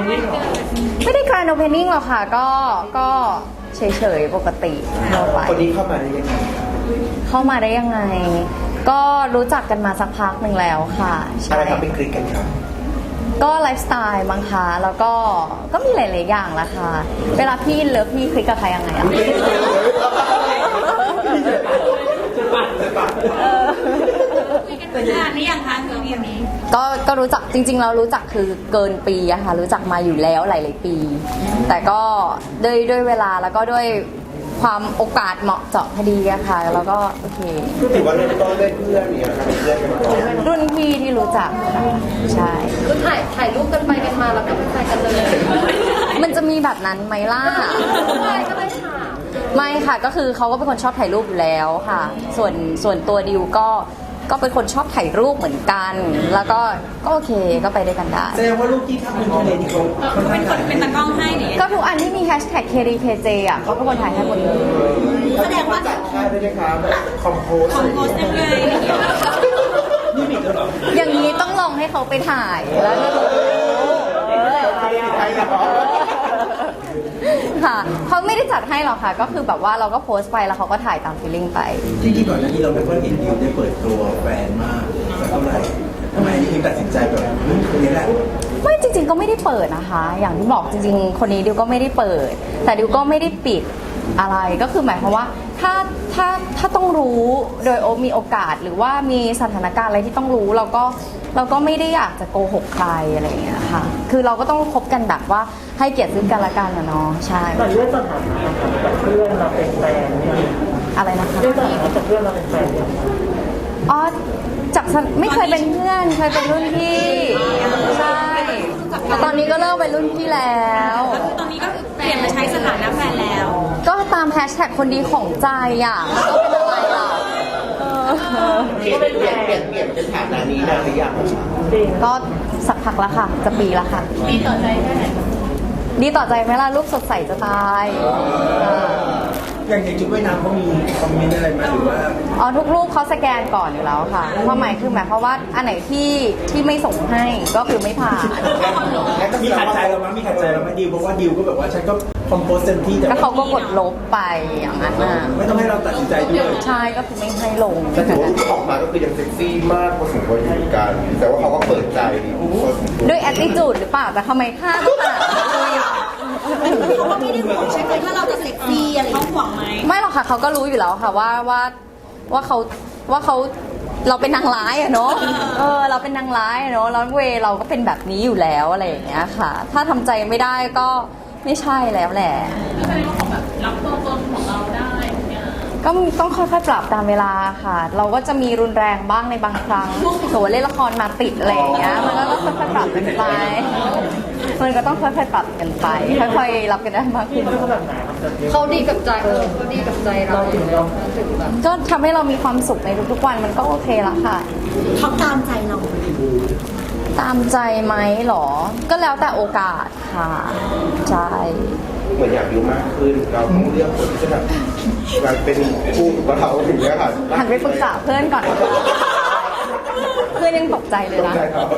ไม่ได้แกรนด์โอเพนนิ่งหรอกค่ะก็เฉยๆปกติทั่วไปคนนี้เข้ามาได้ยังไงก็รู้จักกันมาสักพักหนึ่งแล้วค่ะอะไรทำเป็นคลิกกันครับก็ไลฟ์สไตล์บางคะแล้วก็มีหลายๆอย่างละค่ะเวลาพี่เลิฟพี่คลิกกับใครยังไงอะคุยกันนานหรือยังคะเรื่องนี้ก็รู้จักจริงๆเรารู้จักคือเกินปีอะค่ะรู้จักมาอยู่แล้วหลายๆปีแต่ก็ด้วยเวลาแล้วก็ด้วยความโอกาสเหมาะเจาะพอดีอะค่ะแล้วก็โอเคถือว่าเริ่มต้นด้วยเพื่อนเนี่ยนะครับเพื่อนกันมาก่อนรุ่นพี่ที่รู้จักค่ะใช่คือถ่ายรูปกันไปกันมาแล้วก็ไม่ถ่ายกันเลยมันจะมีแบบนั้นไหมล่ะใช่ก็เลยถามไม่ค่ะก็คือเขาก็เป็นคนชอบถ่ายรูปอยู่แล้วค่ะส่วนตัวดิวก็เป็นคนชอบถ่ายรูปเหมือนกัน แล้วก็โอเคก็ไปด้วยกันได้แสดงว่ารูปที่ทำเป็นทะเลที่เขาเป็นคนเป็นตากล้องให้เนี่ยก็ทุกอันที่มีแฮชแท็ก KDKJ อ่ะเขาเป็นคนถ่ายให้หมดเลยแสดงว่าจัดค่ายด้วยนะครับคอมโพสยังไงนี่มีด้วยหรออย่างนี้ต้องลองให้เขาไปถ่ายแล้วก็ค่ะเขาไม่ได้จัดให้หรอกค่ะก็คือแบบว่าเราก็โพสต์ไปแล้วเขาก็ถ่ายตามฟีลลิ่งไปจริงๆก่อนหน้านี้เราไม่ค่อยเห็นดิวได้เปิดตัวแฟนมากสักเท่าไหร่ทำไมดิวตัดสินใจแบบคนนี้แหละไม่จริงๆก็ไม่ได้เปิดนะคะอย่างที่บอกจริงๆคนนี้ดิวก็ไม่ได้เปิดแต่ดิวก็ไม่ได้ปิดอะไรก็คือหมายความว่าถ้าต้องรู้โดยมีโอกาสหรือว่ามีสถานการณ์อะไรที่ต้องรู้เราก็ไม่ได้อยากจะโกหกใครอะไรอย่างเงี้ยค่ะคือเราก็ต้องคบกันแบบว่าให้เกียรติซึ่งกันและกันนะเนาะใช่แต่เรื่องสถานะกับเพื่อนเราเป็นแฟนอะไรนะคะเรื่องสถานะกับเพื่อนเราเป็นแฟนอ๋อจากไม่เคยเป็นเพื่อนเคยเป็นรุ่นพี่ใช่แต่ตอนนี้ก็เลิกเป็นรุ่นพี่แล้วตอนนี้ก็คือเปลี่ยนมาใช้สถานะแฟนแล้วก็ตามแฮชแท็กคนดีของใจอ่ะก็เป็นอะไรล่ะเปลี่ยนเป็นฐานะนี้ได้หรือยังก็สักพักแล้วค่ะจะปีแล้วค่ะดีต่อใจแค่ไหนดีต่อใจไหมล่ะรูปสดใสจะตายอย่างในชุดว่ายน้ำเขามีคอมเมนต์อะไรมาหรือว่าอ๋อทุกรูปเขาสแกนก่อนอยู่แล้วค่ะความหมายคือหมายความว่าอันไหนที่ไม่ส่งให้ก็คือไม่ผ่านมีขัดใจเราไหมดิวเพราะว่าดิวก็แบบว่าฉันก็คอมโพสเต็มที่แต่เขาก็กดลบไปอย่างนั้นน่ะไม่ต้องให้เราตัดสินใจด้วยใช่ก็คือไม่ให้ลงแต่ถือว่าออกมาก็คือยังเซ็กซี่มากพอสมควรอยู่กันแต่ว่าเขาก็เปิดใจด้วยแอตติจูดหรือเปล่าแต่ทำไมค่าต้องขนาดเขาก็ไม่ได้ห่วงใช่ไหมถ้าเราจะเซ็กซี่อะไรเขาห่วงไหมไม่หรอกค่ะเขาก็รู้อยู่แล้วค่ะว่าเขาเราเป็นนางร้ายอะเนาะเราเป็นนางร้ายเนาะแล้วเราก็เป็นแบบนี้อยู่แล้วอะไรอย่างเงี้ยค่ะถ้าทำใจไม่ได้ก็ไม่ใช่แล้วแหละไม่ใช่ว่าแบบรับตัวตนของเราได้ก็ต้องค่อยๆปรับตามเวลาค่ะเราก็จะมีรุนแรงบ้างในบางครั้งสมมติเล่นละครมาติดอะไรอย่างเงี้ยมันก็ต้องค่อยๆปรับกันไปมันก็ต้องค่อยๆปรับกันไปค่อยๆรับกันได้มากขึ้นเขาดีกับใจเขาดีกับใจเราถึงแบบก็ทำให้เรามีความสุขในทุกๆวันมันก็โอเคละค่ะเขาตามใจเราตามใจไหมหรอก็แล้วแต่โอกาสค่ะใช่เหมือนอยากรู้มากขึ้นเราต้องเลือกคนที่จะแบบมันเป็นคู่กับเราอย่างเงี้ยค่ะหันไปปรึกษาเพื่อนก่อนเพื่อนยังตกใจเลยนะ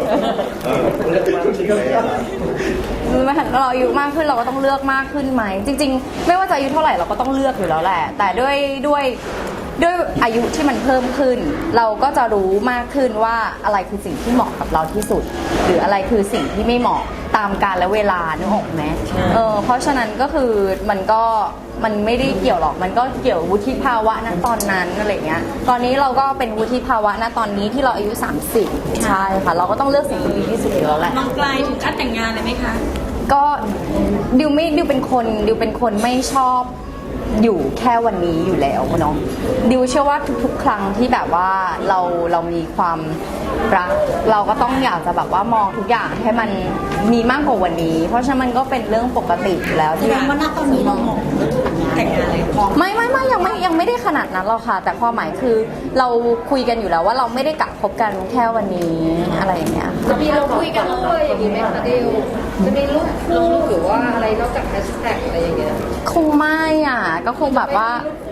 เราอายุมากขึ้นเราก็ต้องเลือกมากขึ้นไหมจริงๆไม่ว่าจะอายุเท่าไหร่เราก็ต้องเลือกอยู่แล้วแหละแต่ด้วยอายุที่มันเพิ่มขึ้นเราก็จะรู้มากขึ้นว่าอะไรคือสิ่งที่เหมาะกับเราที่สุดหรืออะไรคือสิ่งที่ไม่เหมาะตามกาลและเวลานึกออกไหมเพราะฉะนั้นก็คือมันไม่ได้เกี่ยวหรอกมันก็เกี่ยววุฒิภาวะณตอนนั้นอะไรเงี้ยตอนนี้เราก็เป็นวุฒิภาวะณตอนนี้ที่เราอายุ30ใช่ค่ะเราก็ต้องเลือกสิ่งที่ดีที่สุดแล้วแหละมองไกลถึงขั้นแต่งงานเลยไหมคะก็ดิวเป็นคนไม่ชอบอยู่แค่วันนี้อยู่แล้วเนาะดิวเชื่อว่าทุกๆครั้งที่แบบว่าเรามีความรักเราก็ต้องอยากจะแบบว่ามองทุกอย่างให้มันมีมากกว่าวันนี้เพราะฉะนั้นมันก็เป็นเรื่องปกติอยู่แล้วที่ว่าณตอนนี้เรามองแต่งงานเลยไม่ยังไม่ได้ขนาดนั้นหรอกค่ะแต่ความหมายคือเราคุยกันอยู่แล้วว่าเราไม่ได้กะคบกันแค่วันนี้อะไรอย่างเงี้ยจะมีเราคุยกันเลยอย่างนี้ไหมคะดิวจะมีรูปคู่หรือว่าอะไรนอกจากแฮชแท็กอะไรอย่างเงี้ยคงไม่อ่ะก็คงแบบว่า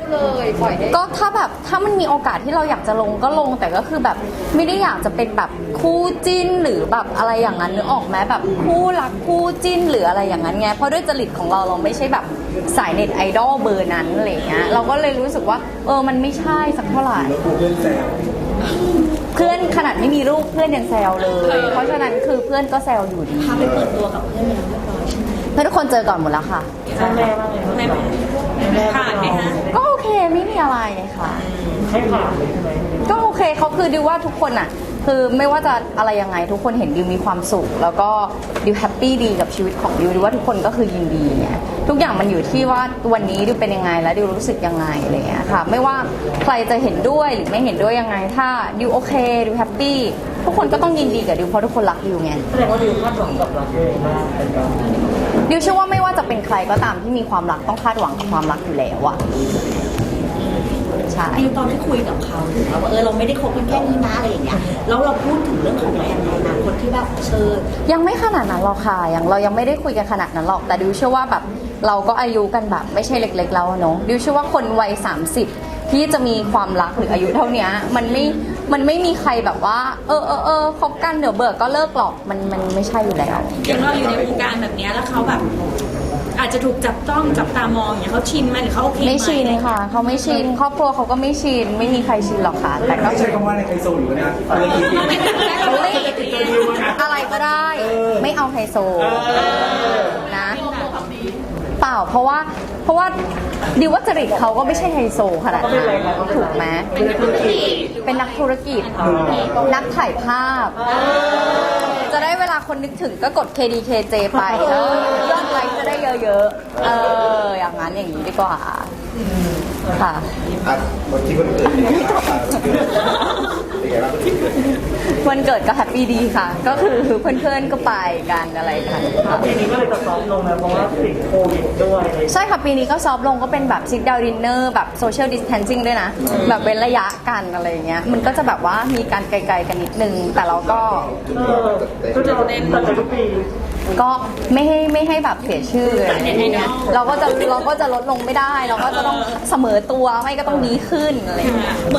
เลยปล่อยได้ก็ถ้ามันมีโอกาสที่เราอยากจะลงก็ลงแต่ก็คือแบบไม่ได้อยากจะเป็นแบบคู่จิ้นหรือแบบอะไรอย่างนั้นนึกออกไหมแบบคู่รักคู่จิ้นหรืออะไรอย่างนั้นไงเพราะด้วยจริตของเราไม่ใช่แบบสายเน็ตไอดอลเบอร์นั้นอะไรเงี้ยเราก็เลยรู้สึกว่ามันไม่ใช่สักเท่าไหร่แล้วกูเพื่อนแซวเพื่อนขนาดไม่มีรูปเพื่อนยังแซวเลย เพราะฉะนั้นคือเพื่อนก็แซวอยู่ดีพาไปเปิดตัวกับเพื่อนไปแล้วเรียบร้อยใช่ไหมเพื่อนทุกคนเจอก่อนหมดแล้วค่ะแม่ว่าไงบ้างแม่ผ่านไหมฮะก็โอเคไม่มีอะไรค่ะให้ผ่านเลยใช่ไหมก็โอเคเขาคือดิวว่าทุกคนอ่ะคือไม่ว่าจะอะไรยังไงทุกคนเห็นดิวมีความสุข แล้วก็ดิวแฮปปี้ดีกับชีวิตของดิวดิวว่าทุกคนก็คือยินดีไงทุกอย่างมันอยู่ที่ว่าวันนี้ดิวเป็นยังไงแล้วดิวรู้สึกยังไงอะไรอย่างเงี้ยค่ะไม่ว่าใครจะเห็นด้วยหรือไม่เห็นด้วยยังไงถ้าดิวโอเคดิวแฮปปี้ทุกคนก็ต้องยินดีกับดิวเพราะทุกคนรักดิวไงแสดงว่าดิวคาดหวังกับรักตัวเองมากเป็นการดิวเชื่อว่าไม่ว่าจะเป็นใครก็ตามที่มีความรักต้องคาดหวังกับความรักอยู่แล้วอะใช่ดิวตอนที่คุยกับเขาถึงว่าเราไม่ได้คบกันแค่นี้นะอะไรอย่างเงี้ยแล้วเราพูดถึงเรื่องของแฟนในอนาคตที่แบบยังไม่ขนาดนั้นหรอกค่ะเรายังไม่ได้คุยกันขนาดนั้นหรอกแต่ดิวเชื่อว่าแบบเราก็อายุกันแบบไม่ใช่เล็กๆแล้วอะเนาะดิวเชื่อว่าคนวัย30ที่จะมีความรักหรืออายุเท่านี้มันไม่มีใครแบบว่าคบกันเดี๋ยวเบิกก็เลิกหรอกมันไม่ใช่อยู่แล้วอย่างเราอยู่ในวงการแบบเนี้ยแล้วเขาแบบ อาจจะถูกจับต้องจับตามองอย่างเงี้ยเขาชินไหมหรือเขาโอเคไหมไม่ชินค่ะเขาไม่ชินครอบครัวเขาก็ไม่ชินไม่มีใครชินหรอกค่ะแต่ก็ไม่ใช่คำว่าในไฮโซอยู่นะอะไรกี่ปีอะไรก็ได้ ไม่เอาไฮโซนะเปล่าเพราะว่าดิวว่าจริตเขาก็ไม่ใช่ไฮโซขนาดนั้นถูกไหมเป็นนักธุรกิจนักถ่ายภาพ จะได้เวลาคนนึกถึงก็กด KDKJ ไปยอดไลค์จะได้เยอะๆอย่างนั้นอย่างนี้ดีกว่าค่ะวันที่วันเกิดเป็นไงบ้างครับเป็นไงบ้างวันเกิดวันเกิดก็แฮปปี้ดีค่ะ ก็คือเพื่อนๆก็ไปกันอะไรกันค่ะปีนี้ก็เลยจะซ้อมลงนะเพราะว่าติดโควิดด้วยอะไรใช่ค่ะปีนี้ก็ซอฟต์ลงก็เป็นแบบซิ t ดาวดินเนอร์แบบโซเชียลดิส a ทนซิ่งด้วยนะ แบบเว้นระยะกันอะไรอย่างเงี้ยมันก็จะแบบว่ามีการไกลๆกันนิดนึง แต่เราก็ก็จะเน้นแต่ทุกปีก็ไม่ให้แบบเสียชื่ออะไรอย่างเงี้ยเราก็จะลดลงไม่ได้ เราก็จะต้องเสมอตัวไม่ก็ต้องดีขึ้นอะไรอย่างเงี้ย